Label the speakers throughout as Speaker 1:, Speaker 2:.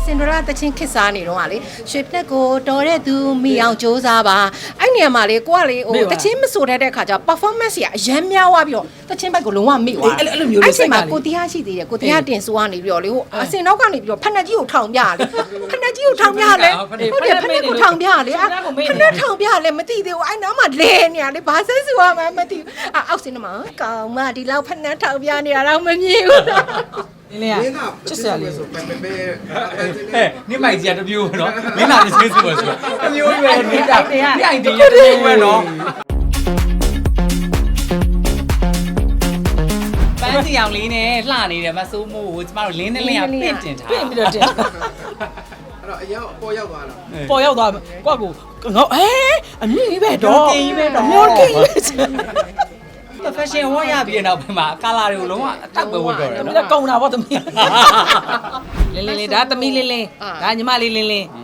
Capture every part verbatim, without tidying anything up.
Speaker 1: စင်ဒရာတချင်းခစ်စားနေတော့ကလေရွှေပြက်ကိုတော်တဲ့သူမိအောင်စူးစမ်းပါအဲ့နေရာမှာလေကိုကလေဟိုတချင်းမဆိုတတ်တဲ့ခါကျ performance ကြီးအရန်များသွားပြီးတော့တချင်းဘက်ကိုလုံးဝမိသွားအဲ့လိုမျိုးလေးစိတ်ကကိုတရားရှိသေးတယ်ကိုတရားတင်ဆိုကနေပြီးတော့လေဟိုအစင်နောက်ကနေပြီးတော့ဖက်နှက်ကြီးကိုထောင်ပြလေဖက်နှက်ကြီးကိုထောင်ပြလေဟုတ်တယ်ဖက်နှက်ကိုထောင်ပြလေဖက်နှက်ထောင်ပြလေမသိသေးဘူးအဲ့နောက်မှလဲနေရလေဘာဆက်စုရမှမသိဘူးအောက်စင်မှာကောင်မဒီလောက်ဖက်နှက်ထောင်ပြနေရတော့မမြင်ဘူး
Speaker 2: လင်းလေးချစ်စရာလေးဆိုပဲပဲပဲ
Speaker 3: ဟဲ့နိမိုက်ကြီးကတမျိုးပဲနော်မင်းလာတစ်ချင်းဆိုပါဆိုတမျိုးပဲနေတာဒီအိုင်ဒီရတမျိုးပဲနော်ပန်းစီအောင်လေးနဲ့လှနေတယ်မဆိုးမို့ကျမတို့လင်းနဲ့လင်းကပင့်တင်ထား
Speaker 2: ပင့်ပြီးတော့တင်
Speaker 3: အဲ့
Speaker 2: တော့အရောက်ပေါ်ရောက်သွားတာ
Speaker 4: ပေါ်ရောက်သွားကွာကိုငေါဟဲအမြင့်ကြီးပဲတော့
Speaker 3: ကင်းကြီးပဲတော့
Speaker 4: မျိုးကင်းပဲ
Speaker 3: fashion ဝတ်ရပြီးတော့ပြန်မှာကာလာတွေကိုလုံးဝအတောက်ပဲဝတ်တော့တယ်နော်
Speaker 4: ဒါကုံတာဗောသမီးလင်းလင်းလေးဒါသမီးလင်းလင်းဒါညီမလေးလင်းလင်း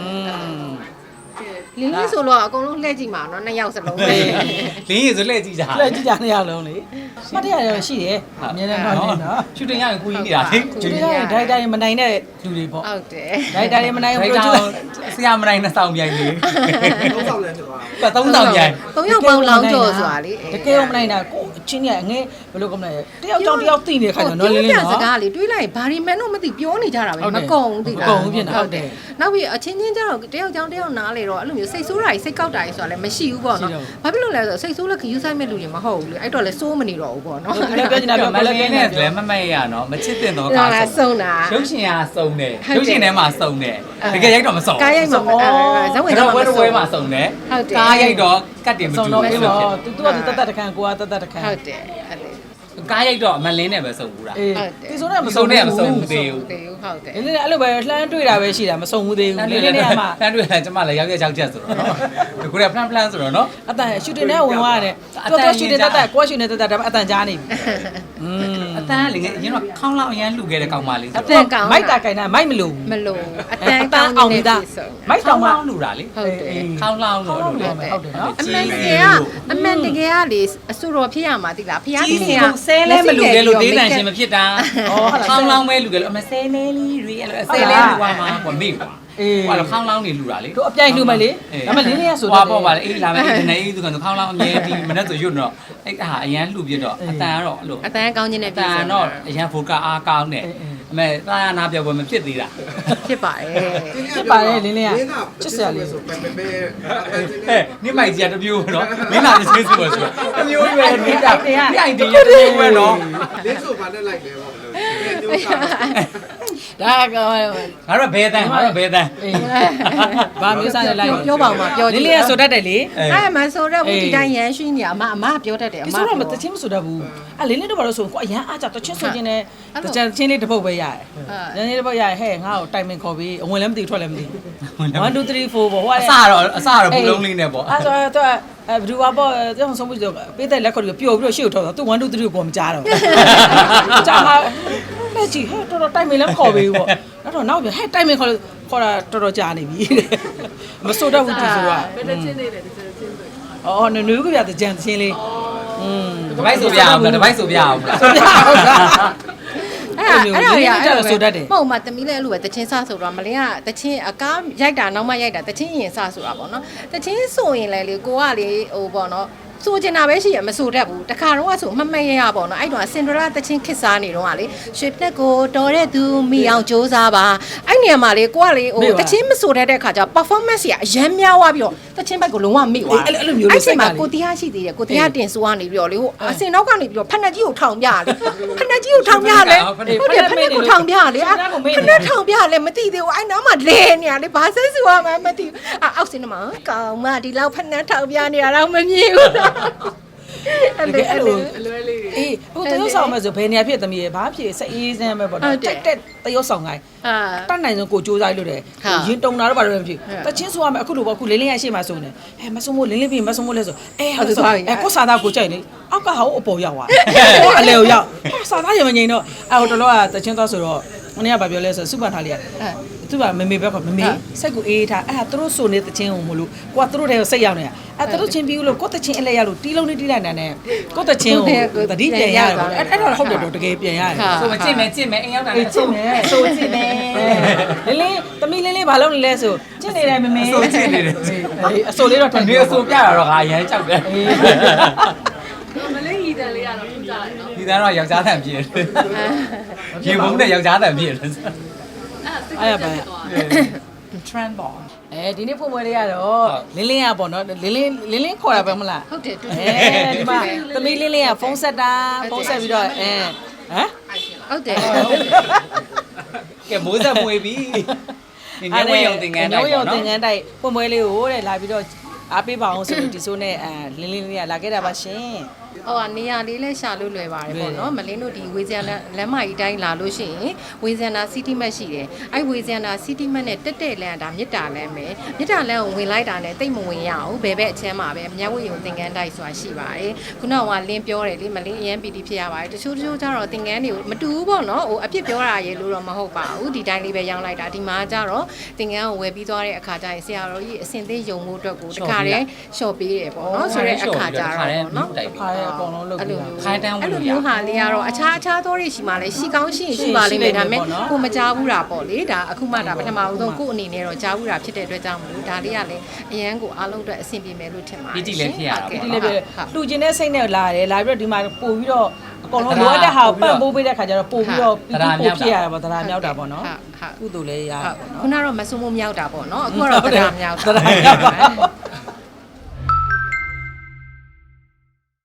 Speaker 1: လင်းလေးဆိုတော့အကုန်လုံးလှည့်ကြည့်မှာနော်နှစ်ယောက်စလုံးပဲ
Speaker 3: လင်းရည်ဆိုလှည့်ကြည့်ကြ
Speaker 4: လှည့်ကြည့်ကြနှစ်ယောက်လုံးလေမှတ်တရရရှိတယ်အမြဲတမ်းတော့နေနော်
Speaker 3: ရှူတင်ရရင်ကိုကြီးနေတာလေ
Speaker 4: ရှူတင်ရရင်ဒိုက်တာရင်မနိုင်တဲ့လူတွေပေါ့
Speaker 1: ဟုတ်တယ်
Speaker 4: ဒိုက်တာရင်မနိုင်ဘူးလို့
Speaker 3: ဆရာမနိုင်နဲ့စောင်းပြိုင်လေ
Speaker 2: သုံးဆောင်လဲဖြစ်သွား
Speaker 3: တာသုံးဆောင်ပြိုင်
Speaker 1: သုံးယောက်ပေါင်းလောင်းကြော်ဆိုတာလေ
Speaker 4: တကယ်မနိုင်တာကိုအချင်းကြီးအငဲဘယ်လိုကောမလဲတယောက်ကြောင်တယောက်သိနေတဲ့ခါကျတော့နော်လင်းလင်းနော်
Speaker 1: စကားလေတွေးလိုက်ဘာရီမန်တော့မသိပြောနေကြတာပဲမကုံသိလား
Speaker 4: မကုံဘူးဖြစ်နေဟုတ်တယ်
Speaker 1: နောက်ပြီးအချင်းချင်းကျတော့တယောက်ကြောင်တယောက်နားလေတော့အဲ့လိုမျိုးစိတ်ဆိုးတာကြီးစိတ်ကောက်တာကြီးဆိုတာလည်းမရှိဘူးပေါ့နော်ဘာဖြစ်လို့လဲဆိုတော့စိတ်ဆိုးလက်ခယူဆိုင်မဲ့လူတွေမဟုတ်ဘူးလေအဲ့တော့လည်းစိုးမနေတော့ဘူးပေါ့နော်
Speaker 4: လည်းပြောချင်တာပြော
Speaker 3: မလကင်းနဲ့လည်းမမက်ရနော်မချစ်တင်တော့
Speaker 1: ကားဆုံးတာ
Speaker 3: ရုပ်ရှင်ကစုံတယ်ရုပ်ရှင်ထဲမှာစုံတယ်တကယ်ရိုက်တော့မစုံ
Speaker 1: ကားရိုက်မှာဇဝင်
Speaker 3: တော့ဝဲဝဲမှာစုံတယ်ကားရိုက်တော့ကတ်တင်မတူဘူး
Speaker 4: လို့ဖြစ်သူကသူတတ်တတ်တခန့်ကိုကတတ်တတ်တခန့်
Speaker 1: ဟုတ်တယ်အဲ့လေ
Speaker 3: ကားရိုက်တော့အမလင်းနဲ့ပဲစုံဘူးလား
Speaker 4: ဟုတ်တယ်ဒီဆိုတော့မစုံ
Speaker 3: နဲ့မစုံဘူးသေးဘူး
Speaker 1: သေးဘူးဟုတ်တယ်
Speaker 4: လင်းလင်းအဲ့လိုပဲလှမ်းတွေ့တာပဲရှိတာမစုံဘူးသေးဘူးလင်းလင်းနဲ့မှ
Speaker 3: လှမ်းတွေ့တာကျမလည်းရောက်ရောက်ချက်ဆိုတော့နော်ဒီကိုရ plan plan ဆိုတော့နော်
Speaker 4: အတန်ရှူတင်နဲ့ဝင်သွားရတယ်တော်တော်ရှူတင်တတ်တတ်ကိုရှူနေတတ်တတ်ဒါပေမဲ့အတန်ကြားနေပြီ
Speaker 3: อืมအတန်လေအရင်တော့ခေါင်းလောက်အရန်လှူခဲ့တဲ့ကောင်မလေးဆို
Speaker 1: တော့အတန်ကောင်
Speaker 4: မိုက်တာကင်တာမိုက်မလို့
Speaker 1: မလို့အတန်ကောင်
Speaker 4: အောင်နေတာမိုက်တောင်မှ
Speaker 3: လှူတာလေ
Speaker 1: ဟုတ်တယ်
Speaker 3: ခေါင်းလောက်လို့
Speaker 4: ဟုတ်တယ်ဟုတ်တယ်နော်
Speaker 1: အမှန်တကယ်ကအမှန်တကယ်ကလေအဆူတော်ဖြစ်ရမှာတိလားဖျားကြီးက
Speaker 3: ဆဲလဲမလှူခဲ့လို့သေးတန်ရှင်မဖြစ်တာခေါင်းလောင်းပဲလှူခဲ့လို့အမဆဲလဲလေးတွေအဲ့လိုဆဲလဲလှူသွားမှာကွာမေ့ကွာအေးဟိုတော့ခေါင်းလောင်းနေလှူတာလေ
Speaker 4: တို့အပြိုင်လှူမယ်လေဒါမှလင်းလေးရဆို
Speaker 3: တော့ဟောပေါ့ပါလေအေးလာမယ်ဒီနေ့အေးသူကခေါင်းလောင်းအမြဲဒီမနေ့ဆိုရွတ်တော့အဲ့ဟာအရန်လှူပြတော့အတန်ကတော့အဲ့လို
Speaker 1: အတန်ကောင်းခြင်းနဲ့
Speaker 3: ပြဆိုတော့အရန်ဖိုကအားကောင်းတယ်အမေသာယာနာပြောပွဲမဖြစ်သေးတာ
Speaker 1: ဖြစ်ပါတယ်
Speaker 4: ဖြစ်ပါတယ်လင်းလေးကချစ်စရာလေး
Speaker 2: ဆိုပဲပဲပဲ
Speaker 3: ဟဲ့နိမိုက်ကြီးကတမျိုးပဲနော်မင်းလာတစ်ချင်းဆိုပါဆိုတမျိုးပဲနေတာဒီအိုင်ဒီရတမျိုးပဲနော်
Speaker 2: လင်းဆိုဘာနဲ့လိုက်လဲပေါ့
Speaker 4: ဒါကငါ
Speaker 3: တို့ဘဲတန်းငါတို့ဘဲတန်း
Speaker 4: ဘာမျိုးစားလဲလိုက်
Speaker 1: ပြောပါဦးမပြော
Speaker 4: လင်းလေးကဆိုတတ်တယ်လေ
Speaker 1: အဲ့မဆိုတော့ဘူးဒီတိုင်းရန်ရှိနေအမအမပြောတတ်တယ်အမ
Speaker 4: ဆိုတော့မတချင်းမဆိုတတ်ဘူးအဲ့လင်းလေးတို့ဘာလို့ဆိုကိုအရန်အားကြတချင်းဆိုချင်းနဲ့တချင်ချင်းလေးတစ်ပုတ်ပဲရတယ်ရန်လေးတစ်ပုတ်ရဟဲ့ငါ့ကိုတိုင်မင်ခေါ်ပြီးအဝင်လည်းမသိထွက်လည်းမသိone two three four ပေါ့ဟို
Speaker 3: အစတော့အစတော့ဘူးလုံးလေးနဲ့ပေါ့
Speaker 4: အဲ့ဆိုတော့အဲဘယ်သူကပေါ့တောင်ဆုံးပြီးတော့ပေးတဲ့လက်ခေါ်ပြီးပျော်ပြီးတော့ရှေ့ကိုထောက်တော့သူone two threeကိုမကြားတော့ကြားမှာလက်ကြီးဟဲ့တော်တော်တိုင်မင်လည်းခေါ်ပြီးပေါ့အဲ့တော့နောက်ပြန်ဟဲ့တိုင်မင်ခေါ်ခေါ်တာတော်တော်ကြာနေပြီမစိုးတော့ဘူးဒီဆိုတော့
Speaker 1: ဘယ်တချင်းလေးလဲဒီချင်းဆို
Speaker 4: အော်နွေနွေကပြတဲ့ကြံချင်းလေး
Speaker 3: อืมတပိုက်ဆိုပြအောင်လားတပိုက်ဆိုပြအောင်လား
Speaker 4: ဆိုပြအောင်လား
Speaker 1: အဲ့ဒါအဲ့ဒါ
Speaker 4: ရအဲ့ဆိုတတ်တယ်
Speaker 1: မဟုတ်မှတမီးလည်းအဲ့လိုပဲတချင်းစဆိုတော့မလင်းကတချင်းအကားရိုက်တာနောက်မှရိုက်တာတချင်းရင်စဆိုတာပေါ့နော်တချင်းဆိုရင်လည်းလေကိုကလေဟိုပေါ့နော်ဆိုချင်တာပဲရှိရမဆိုတတ်ဘူးတခါတော့ဆိုမမရရပေါ့နော်အဲ့တော့စင်ဒရာတချင်းခစ်စားနေတော့ကလေရွှေပြက်ကိုတော်တဲ့သူမိအောင်စူးစမ်းပါအဲ့နေရာမှာလေကိုကလေဟိုတချင်းမဆိုတတ်တဲ့ခါကျ performance ကြီးအရန်များသွားပြီးတော့တချင်းဘက်ကိုလုံးဝမိသွား
Speaker 4: အဲ့လိုမျိုးလေးစိတ်က
Speaker 1: ကိုတရားရှိသေးတယ်ကိုတရားတင်ဆိုကနေပြီးတော့လေဟိုအစင်နောက်ကနေပြီးတော့ဖက်နှက်ကြီးကိုထောင်ပြလေဖက်နှက်ကြီးကိုထောင်ပြလေဟုတ်တယ်ဖက်နှက်ကိုထောင်ပြလေဖက်နှက်ထောင်ပြလေမသိသေးဘူးအဲ့နောက်မှလဲနေရလေဘာဆက်စုရမှမသိဘူးအောက်စင်မှာကောင်မဒီလောက်ဖက်နှက်ထောင်ပြနေရတော့မမြင်ဘူး
Speaker 4: အဲ့လိုအဲ့လိုအေးဟိုတရုတ်ဆောင်မဲ့ဆိုဘယ်နေရာဖြစ်သမီးရဲ့ဘာဖြစ်စအေးစမ်းပဲပေါ့တက်တက်တရုတ်ဆောင်ကိုင်းအာတတ်နိုင်ဆုံးကိုစူးစမ်းလို့တယ်ရင်တုံတာတော့ဘာလို့မဖြစ်တချင်းဆိုရမယ်အခုလိုပေါ့အခုလင်းလင်းရရှိမှဆိုနေဟဲ့မဆုံမို့လင်းလင်းပြီးမဆုံမို့လဲဆိုအဲဟုတ်ဆိုအဲကိုစာသားကိုကြိုက်နေအောက်ကဟာကိုအပေါ်ရောက်သွားဟိုအလေကိုရောက်စာသားရမငိန်တော့အဲဟိုတလောကတချင်းသွားဆိုတော့မနေ့ကဘာပြောလဲဆိုစုပန်ထားလေးကသူကမမေပဲခေါ်မမေစိတ်ကိုအေးထားအဲ့ဒါသူတို့ဆိုနေတချင်းကိုမလို့ကိုကသူတို့တွေကိုစိတ်ရောက်နေတာအဲ့သူတို့ချင်းပြီးလို့ကိုတချင်းအလဲရလို့တီးလုံးလေးတီးလိုက်နေတာနဲ့ကိုတချင်းကိုတတိပြန်ရတယ်ပေါ့အဲ့အဲ့တော့ဟုတ်တယ်တော့တကယ်ပြန်ရတယ်
Speaker 3: ဆိုမကြည့်မယ်ကြည့်မယ်အိမ်ရောက်တာ
Speaker 4: အေးကြည့်မယ်
Speaker 3: ဆိုကြည့်မယ်
Speaker 4: လင်းလင်းသမီးလင်းလင်းဘာလုပ်နေလဲဆိုကြည့်နေတယ်မမေ
Speaker 3: ဆိုကြည့်နေတယ်
Speaker 4: အေးအစိုးလေးတော့
Speaker 3: ဒီအဆိုပြတာတော့ငါရမ်းကြောက်တယ်
Speaker 5: မလေးရီတန်လေးကတော့ထူးကြတယ်နော်
Speaker 3: ဒီသားတော့ယောက်ျားတန်ပြည့်တယ်ရေဘုံနဲ့ယောက်ျားတန်ပြည့်တယ်
Speaker 5: အဲ့ဒါစိတ်
Speaker 4: အဲ့ရပါ
Speaker 3: trend ball
Speaker 4: အဲဒီနေ့ဖွင့်ပွဲလေးကတော့လင်းလင်းရပေါ့နော်လင်းလင်းလင်းလင်းခေါ်တာပဲမလား
Speaker 1: ဟုတ်တယ်တူ
Speaker 4: အဲဒီမှာသမီးလင်းလင်းကဖုန်းဆက်တာဖုန်းဆက်ပြီးတော့အဲဟမ်
Speaker 1: ဟုတ်တယ်
Speaker 3: ကဲမိုးဆက်မွေးပြီဒီညဝေးရုံသင်္ကန်းတိုက်
Speaker 4: ညဝေးရုံ
Speaker 3: ပေါ့
Speaker 4: သင်္က
Speaker 3: နော်
Speaker 4: န်းတိုက်ဖွင့်ပွဲလေးကိုတဲ့လာပြီးတော့အားပေးပါအောင်ဆိုလို့ဒီဆိုနဲ့အဲလင်းလင်းလေးကလာခဲ့တာပါရှင်
Speaker 1: ဟိုကနေရာလေးလဲရှာလို့လွယ်ပါတယ်ပေါ့နော်မလင်းတို့ဒီဝေဇန်နာလမ်းမကြီးတိုင်းလာလို့ရှိရင်ဝေဇန်နာစီတီမတ်ရှိတယ်အဲ့ဝေဇန်နာစီတီမတ်နဲ့တက်တက်လမ်းဒါမြစ်တာလမ်းပဲမြစ်တာလမ်းကိုဝင်လိုက်တာနဲ့တိတ်မဝင်ရအောင်ဘယ်ဘက်အချမ်းမှာပဲမြဝေယုံသင်္ကန်းတိုက်ဆိုတာရှိပါတယ်ခုနကလင်းပြောတယ်လေမလင်းအရန်ပီတီဖြစ်ရပါတယ်တချို့တချို့ကျတော့သင်္ကန်းတွေကိုမတူဘူးပေါ့နော်ဟိုအဖြစ်ပြောတာရေလို့တော့မဟုတ်ပါဘူးဒီတိုင်းလေးပဲရောင်းလိုက်တာဒီမှာကျတော့သင်္ကန်းကိုဝယ်ပြီးသွားတဲ့အခါကျရင်ဆရာတော်ကြီးအစင်သေးယုံမှုအတွက်ကိုတခါတည်းလျှော့ပေးတယ်ပေါ့နော်ဆိုတဲ့အခါကျတော့ပေါ့နော်
Speaker 4: ခါရဲအကုန်လုံးလုပ်ပြီး
Speaker 3: ခိုင်းတန်းဝင်
Speaker 1: အဲ့
Speaker 3: လို့
Speaker 1: လို
Speaker 3: ရ
Speaker 1: မျိုးဟာလေးကတော့အခြားအခြားသောတွေရှိမှလည်းရှိကောင်းရှိရင်ရှိပါလိမ့်မယ်ဒါပေမဲ့ကိုမကြားဘူးတာပေါ့လေဒါအခုမှဒါပထမဦးဆုံးကို့အနေနဲ့တော့ကြားဘူးတာဖြစ်တဲ့အတွက်ကြောင့်မလို့ဒါလေးကလည်းအရန်ကိုအားလုံးအတွက်အဆင်ပြေမယ်လို့ထင်ပါတယ်
Speaker 3: ဒီလည်းဖြစ်ရတာ
Speaker 4: ဒီ
Speaker 3: ပေါ့
Speaker 4: လေးပဲလှူခြင်းတဲ့စိတ်နဲ့လာတယ်လာပြီးတော့ဒီမှာပို့ပြီးတော့အကုန်လုံးလိုအပ်တဲ့ဟာကိုပံ့ပိုးပေးတဲ့ခါကျတော့ပို့ပြီးတော့ပြီးပို့ဖြစ်ရတာပေါ့တရားမြောက်တာပေါ့နော်ကုသိုလ်လည်းရပါပေါ့နော်
Speaker 1: ခုနကတော့မဆုံမမြောက်တာပေါ့နော်အခုကတော့တရားမြောက်
Speaker 4: တရားမြောက်ပါ